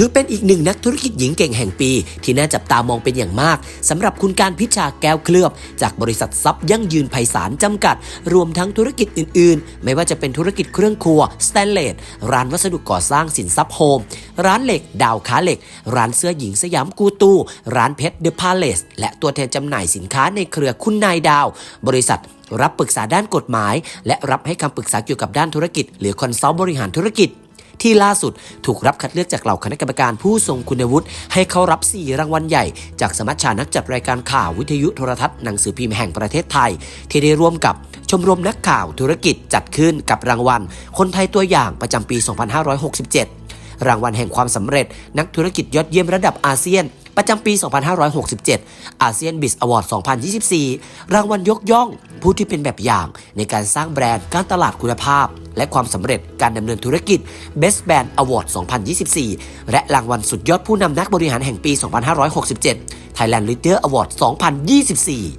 ถือเป็นอีกหนึ่งนักธุรกิจหญิงเก่งแห่งปีที่น่าจับตามองเป็นอย่างมากสำหรับคุณการพิชาแก้วเคลือบจากบริษัททรัพย์ยั่งยืนไพศาลจำกัดรวมทั้งธุรกิจอื่นๆไม่ว่าจะเป็นธุรกิจเครื่องครัวสแตนเลสร้านวัสดุก่อสร้างสินทรัพย์โฮมร้านเหล็กดาวค้าเหล็กร้านเสื้อหญิงสยามกูตูร้านเพชรเดอะพาเลสและตัวแทนจำหน่ายสินค้าในเครือคุณนายดาวบริษัทรับปรึกษาด้านกฎหมายและรับให้คำปรึกษาเกี่ยวกับด้านธุรกิจหรือคอนซัลท์บริหารธุรกิจที่ล่าสุดถูกรับคัดเลือกจากเหล่าคณะกรรมการผู้ทรงคุณวุฒิให้เข้ารับ4รางวัลใหญ่จากสมัชชานักจัดรายการข่าววิทยุโทรทัศน์หนังสือพิมพ์แห่งประเทศไทยที่ได้ร่วมกับชมรมนักข่าวธุรกิจจัดขึ้นกับรางวัลคนไทยตัวอย่างประจำปี 2567 รางวัลแห่งความสำเร็จนักธุรกิจยอดเยี่ยมระดับอาเซียนประจำปี 2567 อาเซียนบิสอวอร์ด 2024 รางวัลยกย่องผู้ที่เป็นแบบอย่างในการสร้างแบรนด์การตลาดคุณภาพและความสำเร็จการดำเนินธุรกิจ Best Brand Award 2024 และรางวัลสุดยอดผู้นำนักบริหารแห่งปี 2567 Thailand Leader Award 2024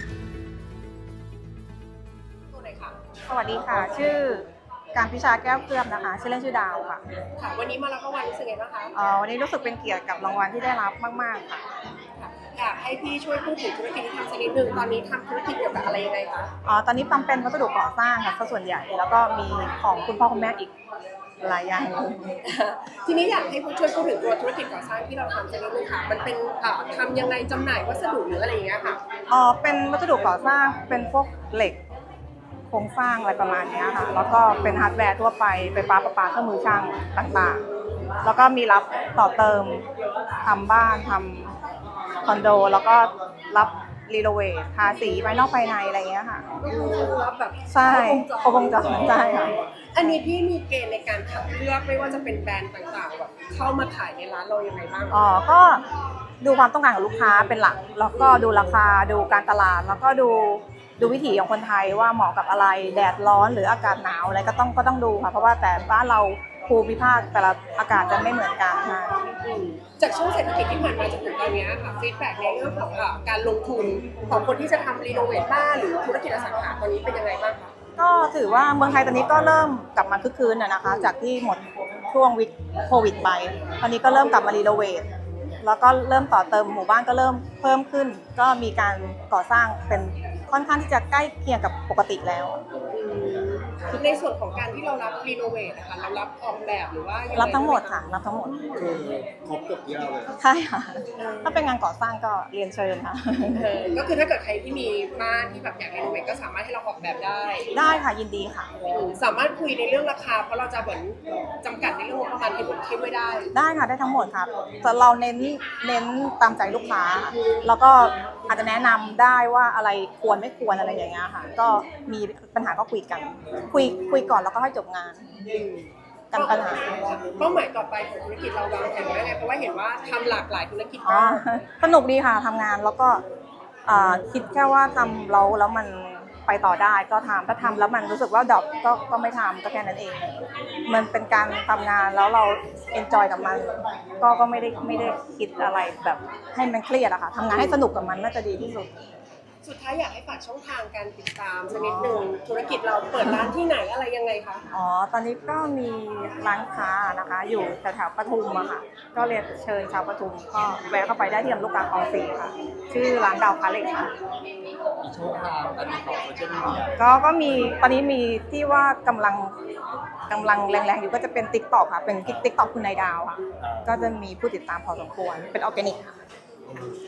สวัสดีค่ะชื่อการพิชาแก้วเคลือบนะคะชื่อเล่นชื่อดาวค่ะค่ะวันนี้มารับรางวัลรู้สึกไงบ้างคะวันนี้รู้สึกเป็นเกียรติกับรางวัลที่ได้รับมากๆค่ะอยากให้พี่ช่วยพูดถึงธุรกิจที่ทำสักนิดนึงตอนนี้ทำธุรกิจเกี่ยวกับอะไรยังไงคะตอนนี้ทำเป็นวัสดุก่อสร้างค่ะส่วนใหญ่แล้วก็มีของคุณพ่อคุณแม่อีกหลายอย่างทีนี้อยากให้ช่วยพูดถึงตัวธุรกิจก่อสร้างที่เราทำสักนิดนึงค่ะมันเป็นทำยังไงจำหน่ายวัสดุหรืออะไรอย่างเงี้ยค่ะเป็นวัสดุก่อสร้างเป็นพวกเหล็กโครงสร้างอะไรประมาณนี้ค่ะแล้วก็เป็นฮาร์ดแวร์ทั่วไปไฟฟ้าประปาเครื่องมือช่างต่างๆแล้วก็มีรับต่อเติมทำบ้านทำคอนโดแล้วก็รับรีโนเวททาสีภายนอกภายในอะไรเงี้ยค่ะก็คือรับแบบใช่ครบวงจรใช่ค่ะอันนี้พี่มีเกณฑ์ในการคัดเลือกไม่ว่าจะเป็นแบรนด์ต่างๆแบบเข้ามาขายในร้านเรายังไงบ้างก็ดูความต้องการของลูกค้าเป็นหลักแล้วก็ดูราคาดูการตลาดแล้วก็ดูวิถีของคนไทยว่าเหมาะกับอะไรแดดร้อนหรืออากาศหนาวอะไรก็ต้องดูค่ะเพราะว่าแต่บ้านเราภูมิภาคแต่ละอากาศจะไม่เหมือนกันค่ะจากช่วงเศรษฐกิจที่ผ่านมาจนถึงตอนนี้ค่ะฟีดแบ็กในเรื่องของการลงทุนของคนที่จะทำรีโนเวทบ้านหรือธุรกิจอสังหาตอนนี้เป็นยังไงบ้างคะก็ถือว่าเมืองไทยตอนนี้ก็เริ่มกลับมาคึกคืนนะคะจากที่หมดช่วงวิกโควิดไปตอนนี้ก็เริ่มกลับมารีโนเวทแล้วก็เริ่มต่อเติมหมู่บ้านก็เริ่มเพิ่มขึ้นก็มีการก่อสร้างเป็นค่อนข้างที่จะใกล้เคียงกับปกติแล้วในส่วนของการที่เรารับรีโนเวทนะคะเรารับออกแบบหรือว่ารับทั้งหมดค่ะรับทั้งหมดคือครบทุกอย่างเลยใช่ค่ะถ้าเป็นงานก่อสร้างก็เรียนเชิญค่ะก็คือถ้าเกิดใครที่มีบ้านที่แบบอยากรีโนเวทก็สามารถให้เราออกแบบได้ค่ะยินดีค่ะสามารถคุยในเรื่องราคาเพราะเราจะเหมือนจำกัดในเรื่องของประมาณที่ผมคิดไว้ได้ค่ะได้ทั้งหมดครับแต่เราเน้นตามใจลูกค้าแล้วก็อาจจะแนะนำได้ว่าอะไรควรไม่ควรอะไรอย่างเงี้ยค่ะก็มีปัญหาก็คุยกันคุยก่อนแล้วก็ให้จบงานกันปัญหาเป้าหมายต่อไปของธุรกิจเราวางแผนไว้ไงเพราะว่าเห็นว่าทำหลากหลายธุรกิจมากสนุกดีค่ะทำงานแล้วก็คิดแค่ว่าทำแล้วมันไปต่อได้ก็ทำถ้าทำแล้วมันรู้สึกว่าดรอปก็ไม่ทำก็แค่นั้นเองมันเป็นการทำงานแล้วเราเอนจอยกับมันก็ไม่ได้คิดอะไรแบบให้มันเครียดอะค่ะทำงานให้สนุกกับมันน่าจะดีที่สุดสุดท้ายอยากให้ฝากช่องทางการติดตามสักนิดนึงธุรกิจเราเปิดร้านที่ไหนอะไรยังไงคะตอนนี้ก็มีร้านค้านะคะอยู่แถวปทุมอะค่ะก็เรียนเชิญชาวปทุมก็แวะเข้าไปได้ที่ลำลูกกาคลอง4ค่ะชื่อร้านดาวค้าเหล็กค่ะช่องทางการติดต่อโซเชียลมีเดียก็มีตอนนี้มีที่ว่ากำลังแรงๆอยู่ก็จะเป็น TikTok ค่ะเป็น TikTok คุณนายดาวค่ะก็จะมีผู้ติดตามพอสมควรเป็นออร์แกนิกค่ะ